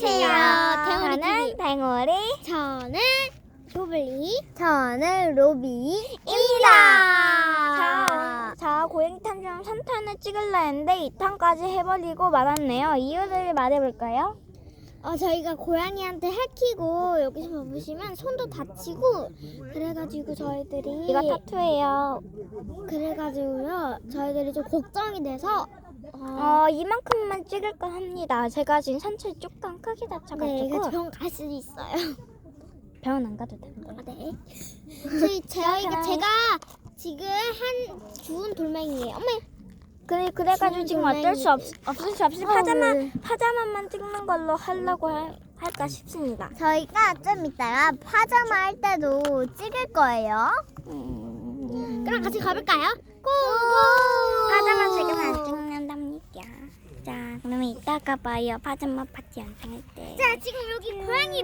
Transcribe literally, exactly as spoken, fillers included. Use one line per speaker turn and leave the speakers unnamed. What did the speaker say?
안녕하세요.
저는
댕우리
댕우리,
저는 조블리.
저는 로비입니다. 자, 자 고양이 탐정 삼 탄을 찍으려 했는데 이 탄까지 해버리고 말았네요. 이유를 말해볼까요?
어 저희가 고양이한테 핥히고 여기서 보시면 손도 다치고 그래가지고 저희들이
이거 타투예요.
그래가지고요 저희들이 좀 걱정이 돼서 어,
어, 이만큼만 찍을까 합니다. 제가 지금 상처 조금 크게
네,
다쳐가지고
이거 병원 갈 수도 있어요.
병원 안 가도 되는데.
아, 네. 저희 저희가
자,
제가 지금 한 주운 돌멩이에요. 어머.
그래 그래가지고 지금 어쩔 수 없, 없을 수 없이
어,
파자마
네.
파자마만 찍는 걸로 하려고 할, 할까 싶습니다.
저희가 좀 이따가 파자마 할 때도 찍을 거예요.
음,
그럼 같이 가볼까요? 고!
파자마 지금 안 찍는답니다. 자, 그러면 이따가 봐요. 파자마 파티 영상할 때.
자, 지금 여기 고양이